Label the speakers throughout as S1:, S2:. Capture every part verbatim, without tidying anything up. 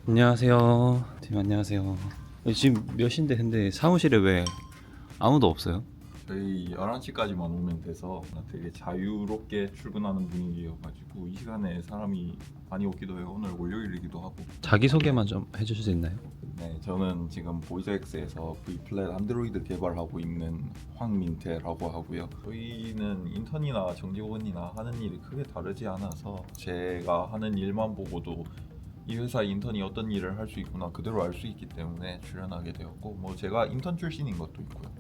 S1: 안녕하세요. 팀 안녕하세요. 지금 몇 시인데 근데 사무실에 왜 아무도 없어요?
S2: 저희 열한 시까지만 오면 돼서 되게 자유롭게 출근하는 분위기여가지고 이 시간에 사람이 많이 오기도 해요. 오늘 월요일이기도 하고.
S1: 자기소개만 좀 해주실 수 있나요?
S2: 네, 저는 지금 보이즈엑스에서 V플랫 안드로이드 개발하고 있는 황민태라고 하고요. 저희는 인턴이나 정직원이나 하는 일이 크게 다르지 않아서 제가 하는 일만 보고도 이 회사 인턴이 어떤 일을 할 수 있구나 그대로 알 수 있기 때문에 출연하게 되었고, 뭐 제가 인턴 출신인 것도 있고요.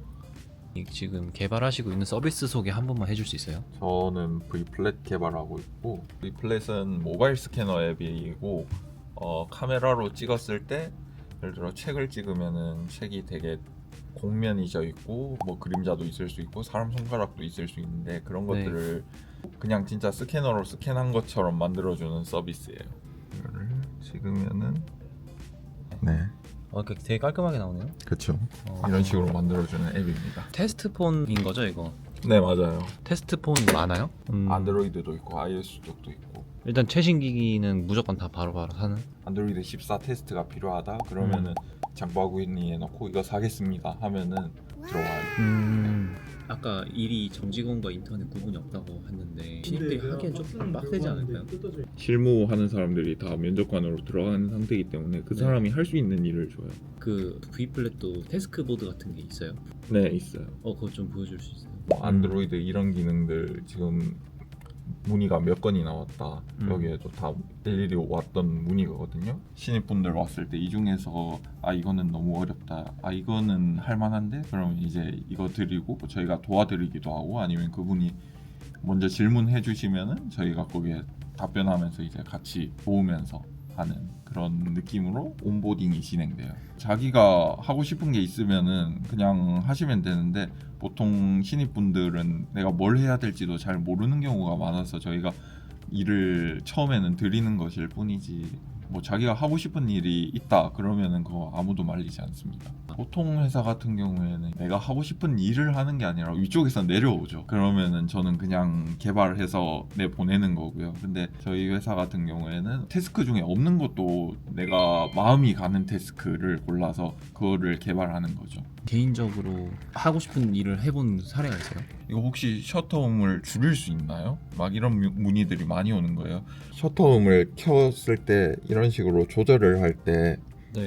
S1: 지금 개발하시고 있는 서비스 소개 한 번만 해줄 수 있어요?
S2: 저는 V플랫 개발하고 있고, V플랫은 모바일 스캐너 앱이고 어, 카메라로 찍었을 때 예를 들어 책을 찍으면은 책이 되게 공면이 져 있고 뭐 그림자도 있을 수 있고 사람 손가락도 있을 수 있는데 그런
S1: 네.
S2: 것들을 그냥 진짜 스캐너로 스캔한 것처럼 만들어주는 서비스예요. 이거를 찍으면은 네,
S1: 어, 되게 깔끔하게 나오네요.
S2: 그렇죠.
S1: 어,
S2: 이런 식으로 만들어주는 앱입니다.
S1: 테스트폰인 거죠 이거?
S2: 네, 맞아요.
S1: 테스트폰 많아요? 음,
S2: 안드로이드도 있고 iOS 쪽도 있고.
S1: 일단 최신 기기는 무조건 다 바로바로 사는?
S2: 안드로이드 십사 테스트가 필요하다 그러면은
S1: 음.
S2: 장바구니에 넣고 이거 사겠습니다 하면은 들어와요.
S1: 음. 아까 일이 정직원과 인턴의 구분이 없다고 했는데 신입들이 하기엔 좀 빡세지 않을까요?
S2: 실무하는 사람들이 다 면접관으로 들어가는 상태이기 때문에 그
S1: 네.
S2: 사람이 할 수 있는 일을 줘요.
S1: 그 V플랫도 태스크보드 같은 게 있어요?
S2: 네, 있어요.
S1: 어 그거 좀 보여줄 수 있어요?
S2: 뭐 안드로이드 이런 기능들 지금 문의가 몇 건이 나왔다.
S1: 음.
S2: 여기에도 다 일일이 왔던 문의거든요. 신입분들 왔을 때 이 중에서 아 이거는 너무 어렵다, 아 이거는 할만한데, 그럼 이제 이거 드리고 저희가 도와드리기도 하고, 아니면 그분이 먼저 질문해 주시면은 저희가 거기에 답변하면서 이제 같이 도우면서 하는 그런 느낌으로 온보딩이 진행돼요. 자기가 하고 싶은 게 있으면은 그냥 하시면 되는데, 보통 신입분들은 내가 뭘 해야 될지도 잘 모르는 경우가 많아서 저희가 일을 처음에는 드리는 것일 뿐이지, 뭐 자기가 하고 싶은 일이 있다 그러면은 그거 아무도 말리지 않습니다. 보통 회사 같은 경우에는 내가 하고 싶은 일을 하는 게 아니라 위쪽에서 내려오죠. 그러면은 저는 그냥 개발해서 내보내는 거고요. 근데 저희 회사 같은 경우에는 태스크 중에 없는 것도 내가 마음이 가는 태스크를 골라서 그거를 개발하는 거죠.
S1: 개인적으로 하고 싶은 일을 해본 사례가 있어요?
S2: 이거 혹시 셔터음을 줄일 수 있나요? 막 이런 뮤- 문의들이 많이 오는 거예요. 셔터음을 켰을 때 이런 식으로 조절을 할 때
S1: 네.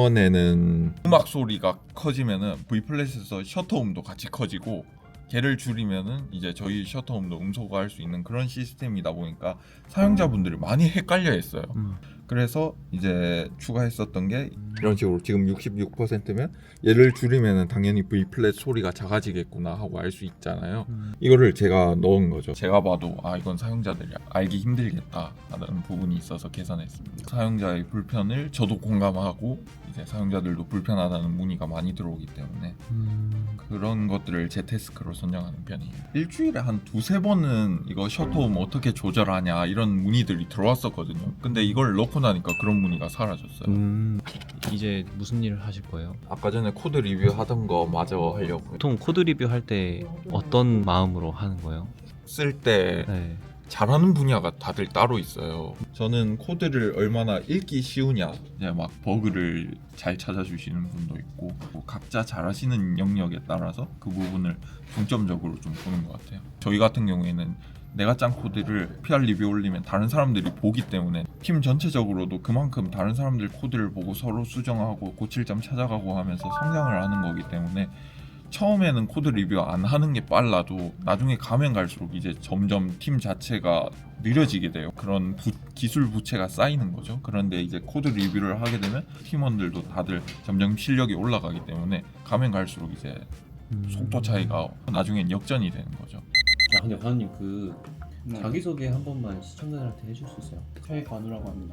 S2: 예전에는 음악 소리가 커지면은 V플랫에서 셔터음도 같이 커지고, 걔를 줄이면은 이제 저희 셔터음도 음소거할 수 있는 그런 시스템이다 보니까 사용자분들이 많이 헷갈려 했어요.
S1: 음.
S2: 그래서 이제 추가했었던 게 이런 식으로 지금 육십육 퍼센트면 얘를 줄이면은 당연히 V플랫 소리가 작아지겠구나 하고 알 수 있잖아요.
S1: 음.
S2: 이거를 제가 넣은 거죠. 제가 봐도 아 이건 사용자들이 알기 힘들겠다 하는 부분이 있어서 개선했습니다. 사용자의 불편을 저도 공감하고 이제 사용자들도 불편하다는 문의가 많이 들어오기 때문에
S1: 음.
S2: 그런 것들을 제 태스크로 선정하는 편이에요. 일주일에 한 두세 번은 이거 셔터음 어떻게 조절하냐 이런 문의들이 들어왔었거든요. 근데 이걸 넣고 나니까 그런 문의가 사라졌어요.
S1: 음. 이제 무슨 일을 하실 거예요?
S2: 아까 전에 코드 리뷰 하던 거 마저 하려고요.
S1: 보통 코드 리뷰 할 때 어떤 마음으로 하는 거예요?
S2: 쓸 때
S1: 네.
S2: 잘하는 분야가 다들 따로 있어요. 저는 코드를 얼마나 읽기 쉬우냐, 이제 막 버그를 잘 찾아주시는 분도 있고, 뭐 각자 잘하시는 영역에 따라서 그 부분을 중점적으로 좀 보는 것 같아요. 저희 같은 경우에는 내가 짠 코드를 피알 리뷰 올리면 다른 사람들이 보기 때문에 팀 전체적으로도 그만큼 다른 사람들 코드를 보고 서로 수정하고 고칠 점 찾아가고 하면서 성장을 하는 거기 때문에 처음에는 코드 리뷰 안 하는 게 빨라도 나중에 가면 갈수록 이제 점점 팀 자체가 느려지게 돼요. 그런 부, 기술 부채가 쌓이는 거죠. 그런데 이제 코드 리뷰를 하게 되면 팀원들도 다들 점점 실력이 올라가기 때문에 가면 갈수록 이제 속도 차이가 나중엔 역전이 되는 거죠.
S1: 아 근데 관우님 그
S3: 네.
S1: 자기소개 한 번만 시청자들한테 해줄 수 있어요?
S3: 최관우라고 합니다.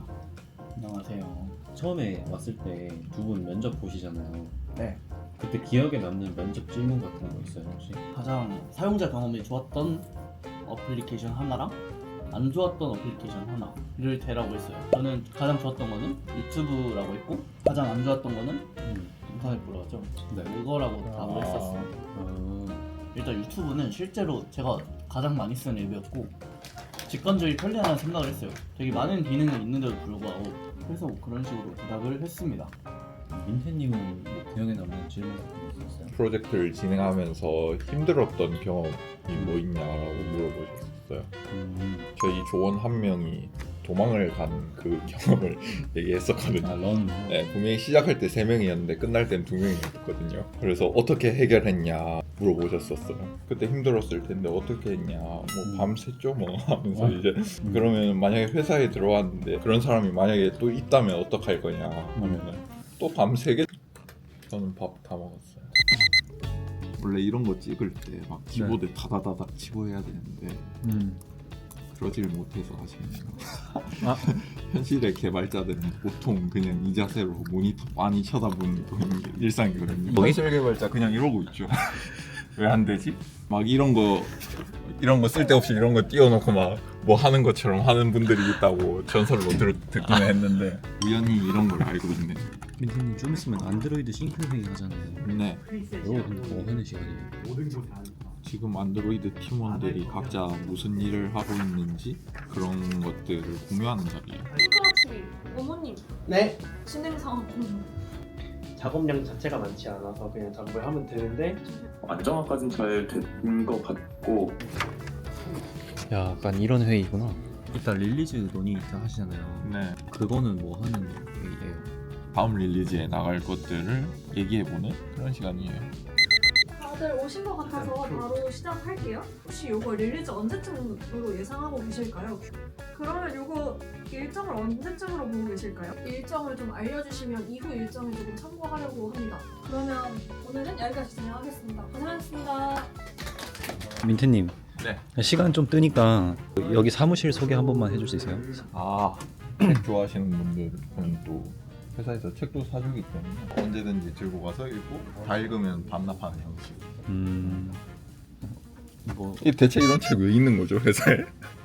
S3: 안녕하세요.
S1: 처음에 왔을 때 두 분 면접 보시잖아요.
S3: 네,
S1: 그때 기억에 남는 면접 질문 같은 거 있어요 혹시?
S3: 가장 사용자 경험이 좋았던 어플리케이션 하나랑 안 좋았던 어플리케이션 하나를 대라고 했어요. 저는 가장 좋았던 거는 유튜브라고 했고, 가장 안 좋았던 거는
S1: 음.
S3: 인터넷 브라우저.
S1: 네.
S3: 그거라고 답을 했었어요.
S1: 음.
S3: 일단 유튜브는 실제로 제가 가장 많이 쓰는 앱이었고 직관적이 편리하다는 생각을 했어요. 되게 많은 기능이 있는데도 불구하고 그래서 뭐 그런 식으로 부탁을 했습니다.
S1: 민태님은 뭐 기억에 남는 질문 같은 거 있었어요?
S2: 프로젝트를 진행하면서 힘들었던 경험이 뭐 있냐라고 물어보셨어요.
S1: 음.
S2: 저희 조원 한 명이 도망을 간 그 경험을 얘기했었거든요.
S1: 아 런.
S2: 네, 분명히 시작할 때 세 명이었는데 끝날 땐 두 명이었거든요. 그래서 어떻게 해결했냐 물어보셨었어요. 그때 힘들었을 텐데 어떻게 했냐, 뭐 밤샜죠 뭐 하면서
S1: 아.
S2: 이제
S1: 음.
S2: 그러면 만약에 회사에 들어왔는데 그런 사람이 만약에 또 있다면 어떡할 거냐 하면은 또 밤새게. 저는 밥 다 먹었어요. 원래 이런 거 찍을 때 막 키보드 다다다닥 치고 해야 되는데
S1: 음.
S2: 그러지를 못해서 아쉽네요.
S1: 아.
S2: 현실의 개발자들은 보통 그냥 이 자세로 모니터 빤히 쳐다보는 게 일상이거든요.
S1: 뭐?
S2: 현실 개발자 그냥 이러고 있죠. 왜 안 되지? 막 이런 거 이런 거 쓸데없이 이런 거 띄워놓고 막 뭐 하는 것처럼 하는 분들이 있다고 전설로 들, 듣기는 했는데 우연히 이런 걸 알고 있네.
S1: 민태님 좀 있으면 안드로이드 싱크 회의 하잖아요.
S2: 네.
S1: 이거 뭐 하는 시간이에요?
S2: 지금 안드로이드 팀원들이 각자 무슨 일을 하고 있는지 그런 것들을 공유하는 자리예요.
S4: 핑크워치 어머님
S3: 네.
S4: 진행 상황 공유.
S5: 작업량 자체가 많지 않아서 그냥 작업을 하면 되는데
S6: 안정화까지는 잘 된 것 같고
S1: 야, 약간 이런 회의구나. 이따 릴리즈 논의 하시잖아요.
S2: 네.
S1: 그거는 뭐 하는 회의예요?
S2: 다음 릴리즈에 나갈 것들을 얘기해보는 그런 시간이에요.
S4: 다들 오신 것 같아서 바로 시작할게요. 혹시 요거 릴리즈 언제쯤으로 예상하고 계실까요? 그러면 요거 일정을 언제쯤으로 보고 계실까요? 일정을 좀 알려주시면 이후 일정에 조금 참고하려고 합니다. 그러면 오늘은 여기까지 진행하겠습니다. 고생하셨습니다.
S1: 민태님.
S2: 네.
S1: 시간 좀 뜨니까 여기 사무실 소개 한 번만 해줄 수 있어요?
S2: 아, 책 좋아하시는 분들은 또 회사에서 책도 사주기 때문에 언제든지 들고 가서 읽고 다 읽으면 반납하는 형식.
S1: 음. 뭐
S2: 이 대체 이런 책 왜 있는 거죠 회사에?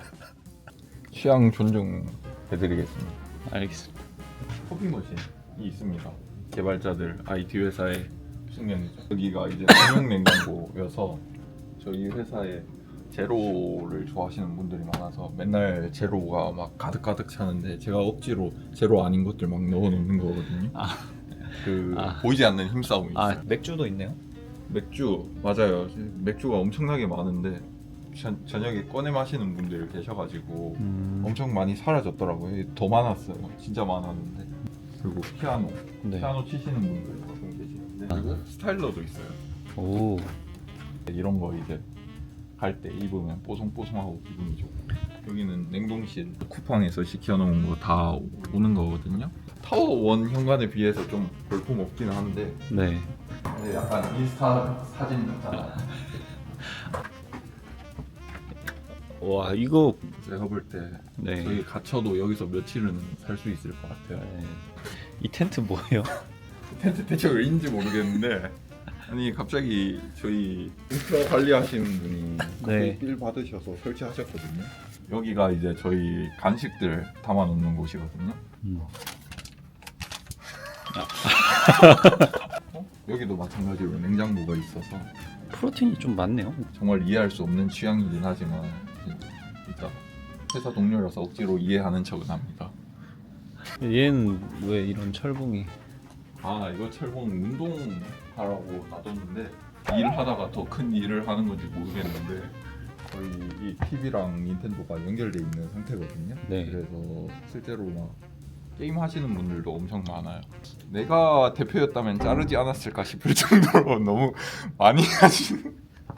S2: 취향 존중해드리겠습니다.
S1: 알겠습니다.
S2: 커피 머신이 있습니다. 개발자들 아이티 회사의 숙명이죠. 여기가 이제 삼용 냉장고여서 저희 회사에 제로를 좋아하시는 분들이 많아서 맨날 제로가 막 가득가득 차는데 제가 억지로 제로 아닌 것들 막 넣어놓는 거거든요.
S1: 아.
S2: 그
S1: 아.
S2: 보이지 않는 힘싸움이 있어요.
S1: 아, 맥주도 있네요.
S2: 맥주 맞아요. 맥주가 엄청나게 많은데 저, 저녁에 꺼내 마시는 분들 계셔가지고
S1: 음.
S2: 엄청 많이 사라졌더라고요. 더 많았어요. 진짜 많았는데. 그리고 피아노,
S1: 네.
S2: 피아노 치시는 분들 가끔 계시는데 그리고 스타일러도 있어요.
S1: 오.
S2: 이런 거 이제 갈 때 입으면 뽀송뽀송하고 기분이 좋고. 여기는 냉동실 쿠팡에서 시켜놓은 거 다 오는 거거든요. 타워원 현관에 비해서 좀 볼품 없긴 한데
S1: 네.
S2: 근데 약간 인스타 사진 같잖아.
S1: 와, 이거
S2: 제가 볼 때
S1: 네.
S2: 저희 갇혀도 여기서 며칠은 살 수 있을 것 같아요.
S1: 네. 이 텐트 뭐예요?
S2: 텐트 대체 왜인지 모르겠는데 아니 갑자기 저희 인프라 관리하시는 분이
S1: 네.
S2: 빌 받으셔서 설치하셨거든요. 여기가 이제 저희 간식들 담아놓는 곳이거든요.
S1: 음.
S2: 어? 여기도 마찬가지로 냉장고가 있어서
S1: 프로틴이 좀 많네요.
S2: 정말 이해할 수 없는 취향이긴 하지만 일단 회사 동료라서 억지로 이해하는 척은 합니다.
S1: 얘는 왜 이런 철봉이?
S2: 아 이거 철봉 운동하라고 놔뒀는데 일하다가 더 큰 일을 하는 건지 모르겠는데 거의 이 티비랑 닌텐도가 연결돼 있는 상태거든요.
S1: 네.
S2: 그래서 실제로 막 게임 하시는 분들도 엄청 많아요. 내가 대표였다면 자르지 않았을까 싶을 정도로 너무 많이 하시는.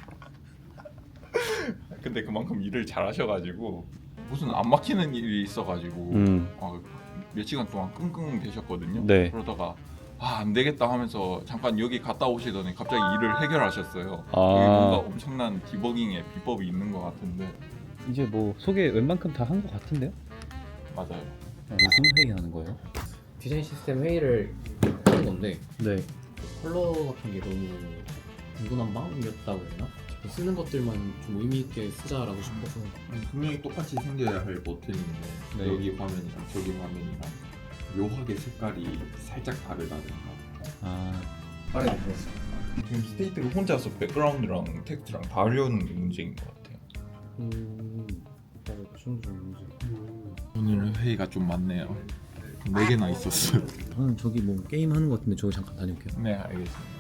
S2: 근데 그만큼 일을 잘 하셔가지고 무슨 안 막히는 일이 있어가지고
S1: 음.
S2: 어, 몇 시간 동안 끙끙 대셨거든요.
S1: 네.
S2: 그러다가 아, 안 되겠다 하면서 잠깐 여기 갔다 오시더니 갑자기 일을 해결하셨어요.
S1: 아.
S2: 여기 뭔가 엄청난 디버깅의 비법이 있는 것 같은데
S1: 이제 뭐 소개 웬만큼 다 한 것 같은데요?
S2: 맞아요.
S1: 무슨 회의 하는 거예요?
S7: 디자인 시스템 회의를 하는 건데
S1: 네.
S7: 컬러 같은 게 너무 중구난방이었다고 해야 되나? 쓰는 것들만 좀 의미 있게 쓰자라고 싶어서
S2: 분명히 똑같이 생겨야 할 버튼인데
S1: 네.
S2: 여기 화면이랑 저기 화면이랑 묘하게 색깔이 살짝 다르다든가.
S1: 아.
S7: 빠르게 들었어요.
S2: 지금 스테이트가 혼자서 백그라운드랑 텍스트랑 다 하려는 게 문제인 것 같아요.
S7: 음... 그 정도 좀 문제.
S2: 오늘 회의가 좀 많네요. 네 개나 있었어요.
S1: 저는 저기 뭐 게임 하는 것 같은데 저기 잠깐 다녀올게요.
S2: 네, 알겠습니다.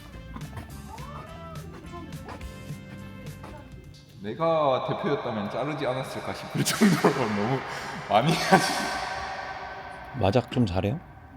S2: 내가 대표였다면 자르지 않았을까 싶을 정도로 너무 많이 하시.
S1: 마작 좀 잘해요?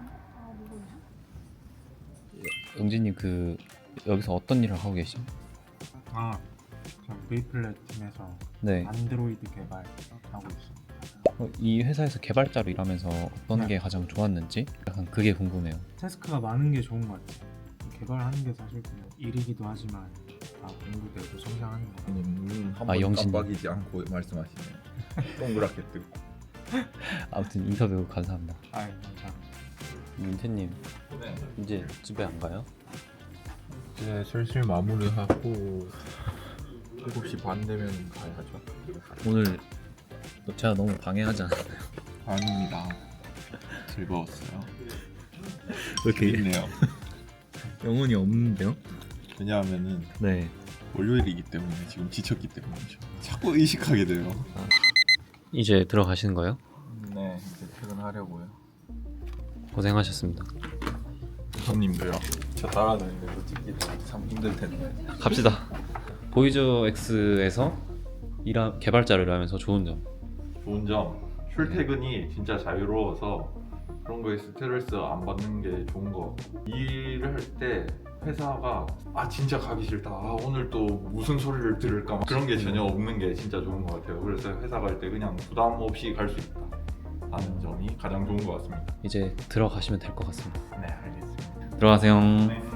S1: 영진님 그 여기서 어떤 일을 하고 계시죠?
S8: 아, 저 메이플렛 팀에서
S1: 네.
S8: 안드로이드 개발하고 있습니다.
S1: 어, 이 회사에서 개발자로 일하면서 어떤
S8: 네.
S1: 게 가장 좋았는지 약간 그게 궁금해요.
S8: 태스크가 많은 게 좋은 것 같아요. 개발하는 게 사실 그냥 일이기도 하지만 다 공부되고 성장하는 거.
S2: 눈
S1: 아,
S2: 한번
S1: 영신.
S2: 깜빡이지 않고 말씀하시네요. 동그랗게 뜨고.
S1: 아무튼 인터뷰 감사합니다.
S8: 아, 감사합니다.
S1: 민태님
S2: 네.
S1: 이제 집에 안 가요?
S2: 이제 슬슬 마무리하고 일곱 시 반 되면 가야죠.
S1: 오늘 제가 너무 방해하지 않았나요?
S2: 아닙니다. 즐거웠어요.
S1: 이렇게
S2: 재밌네요.
S1: 영혼이 없는데요?
S2: 왜냐하면은
S1: 네.
S2: 월요일이기 때문에 지금 지쳤기 때문이죠. 자꾸 의식하게 돼요.
S1: 이제 들어가시는 거예요?
S2: 네, 이제 퇴근하려고요.
S1: 고생하셨습니다.
S2: 손님도요. 저 따라다니면서 찍기 참 힘들 텐데.
S1: 갑시다. 보이저 X에서 일하, 개발자를 일하면서 좋은 점.
S2: 좋은 점, 출퇴근이 진짜 자유로워서 그런 거에 스트레스 안 받는 게 좋은 거. 일을 할 때 회사가 아 진짜 가기 싫다. 아 오늘 또 무슨 소리를 들을까 막 그런 게 전혀 없는 게 진짜 좋은 것 같아요. 그래서 회사 갈 때 그냥 부담 없이 갈 수 있다 하는 점이 가장 좋은 것 같습니다.
S1: 이제 들어가시면 될 것 같습니다.
S2: 네, 알겠습니다.
S1: 들어가세요.
S2: 네.